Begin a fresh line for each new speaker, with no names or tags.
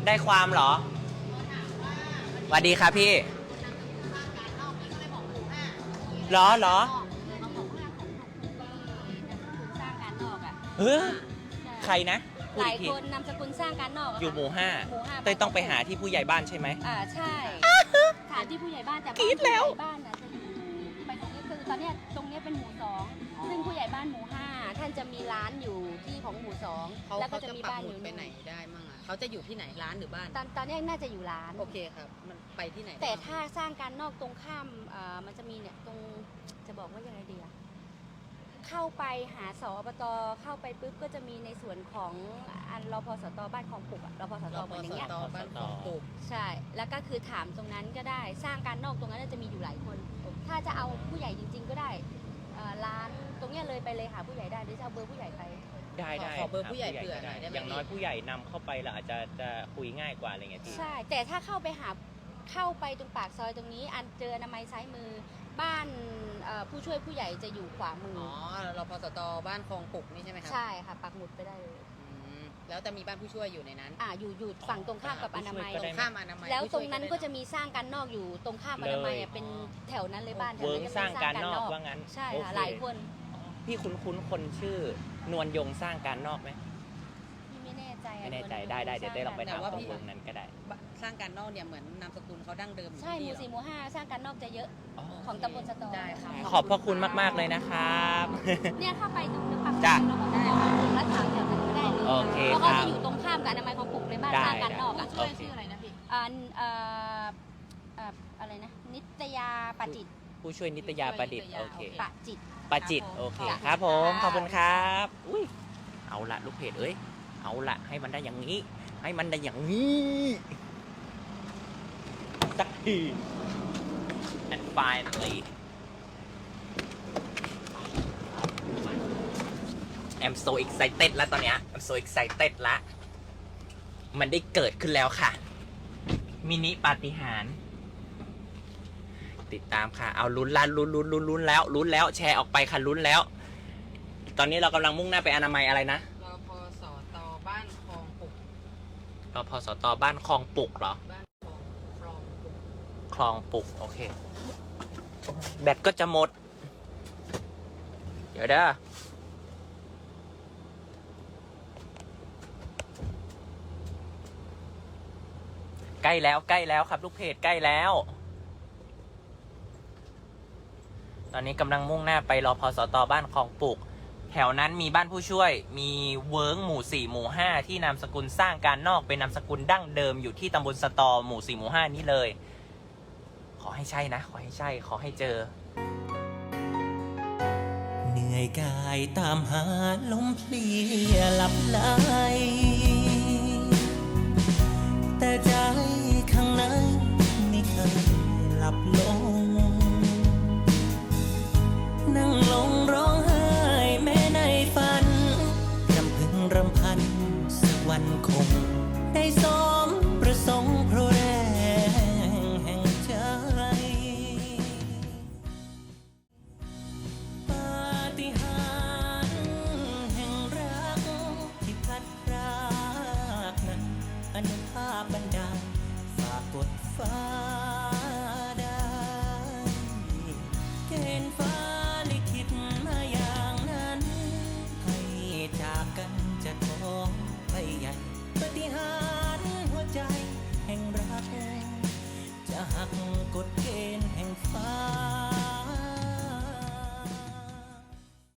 ได้ความเหรอสวัสดีครับพี่เหรอเฮ้ยใครนะ
หลายคนนามสกุลสร้างการนอก
อยู่หมู่ห้าเต้ยต้องไปหาที่ผู้ใหญ่บ้านใช่ไหม
ใช่ถามที่ผู้ใหญ่บ้านแต่
กรี๊ดแล้ว
บ้านนะจะอยู่ไปตรงนี้คือตอนนี้ตรงนี้เป็นหมู่2ซึ่งผู้ใหญ่บ้านหมู่5ท่านจะมีร้านอยู่ที่ของหมู่2แล้วก็จะมีบ้านอยู่
ไปไหนได้มั่งอ่ะเขาจะอยู่ที่ไหนร้านหรือบ้าน
ตอนนี้น่าจะอยู่ร้าน
โอเคครับมันไปที่ไหน
แต่ถ้าสร้างการนอกตรงข้ามมันจะมีเนี่ยตรงจะบอกว่ายังไงดีอะเข้าไปหาสอบตเข้าไปปุ๊บก็จะมีในส่วนของอันรพสตบ้านคลองปุกรพสตเหมือนอย่างเงี้ย
บ้านคลองปุก
ใช่แล้วก็คือถามตรงนั้นก็ได้สร้างการนอกตรงนั้นจะมีอยู่หลายคนถ้าจะเอาผู้ใหญ่จริงๆก็ได้ร้านตรงเนี้ยเลยไปเลยหาผู้ใหญ่ได้หรือจะเอาเบอร์ผู้ใหญ่ไป
ได้
ขอเบอร์ผู้ใหญ่เผื่อหน่อยได้ไหม
อย่างน้อยผู้ใหญ่นำเข้าไปเราอาจจะคุยง่ายกว่าอะไรเงี้ยพี่
ใช่แต่ถ้าเข้าไปตรงปากซอยตรงนี้อันเจออนามัยซ้ายมือบ้านผู้ช่วยผู้ใหญ่จะอยู่ขวามือ
รพสตบ้านคลองปุกนี่ใช่ไหมครับ
ใช่ค่ะปักหมุดไปได้เลย
แล้วจะมีบ้านผู้ช่วยอยู่ในนั้น
อยู่ฝั่งตรงข้ามกับอนามัย
ตรงข้ามอนามัย
แล้วตรงนั้นก็จะมีสร้างการนอกอยู่ตรงข้ามอนามัยเป็นแถวนั้นเลยบ้านแถวนั้นจะ
สร้างการนอกว่างั้น
ใช่ค่ะหลายคน
พี่คุ้นคนชื่อนวลยงสร้างการนอกไหม
ไม่แน่ใจ
ได้เดี๋ยวได้ลองไปถามข้อมูลนั้นก็ได้
สร้างการนอกเนี่ยเหมือนนามสกุลเขาดั้งเดิม
ใช่หมู่4หมู่5สร้างการนอกจะเยอะของตำบลสตอ
ได้ค่ะ
ขอบพระคุณมากๆเลยนะครับ
เนี่ยเข้าไปตรงปากซอยแล้วถามแถวนั้นก็ได้เลย
โอเค
เพราะเขาจะอยู่ตรงข้ามกับอนามัยของปุกเลยบ้านสร้างการนอก
ช่วยชื่ออะไรนะพี่
อะไรนะนิตยาปจิต
ผู้ช่วยนิตยาประดิษฐ์โอเค
ปจิต
โอเคครับผมขอบคุณครับอุ้ยเอาละลูกเพจเอ้ยเอาละให้มันได้อย่างนี้สักที and finally I'm so excited แล้วตอนเนี้ย I'm so excited ละมันได้เกิดขึ้นแล้วค่ะมินิปาฏิหาริย์ติดตามค่ะเอาลุ้นแล้วแชร์ออกไปค่ะลุ้นแล้วตอนนี้เรากำลังมุ่งหน้าไปอนามัยอะไรนะ
รพสตบ้านคลองปุก
รพสตบ้านคลองปุกเหรอคลองปุกโอเคแบตก็จะหมดเดี๋ยวเด้อใกล้แล้วครับลูกเพจใกล้แล้วตอนนี้กำลังมุ่งหน้าไปรพสตบ้านคลองปุกแถวนั้นมีบ้านผู้ช่วยมีเวิร์กหมู่4หมู่5ที่นามสกุลสร้างการนอกเป็นนามสกุลดั้งเดิมอยู่ที่ตำบลสตอหมู่4หมู่5นี้เลยขอให้ใช่นะขอให้เจอเหนื่อยกายตามหาลมเพลียหลับไหลแต่ใจข้างในไม่เคยหลับลงนั่งลงร้องไห้แม้ในฝันรำพึงรำพันสักวันคงได้สมประสงค์เพราะแรงแห่งใจปาฏิหาริย์แห่งรักที่พัดพรากนั้นอนุภาพบันดาลฝากกดฟ้าได้เกณฑ์ฟ้าจะท้องไปใหญ่ปาฏิหาริย์หัวใจแห่งรักจะหักกฎเกณฑ์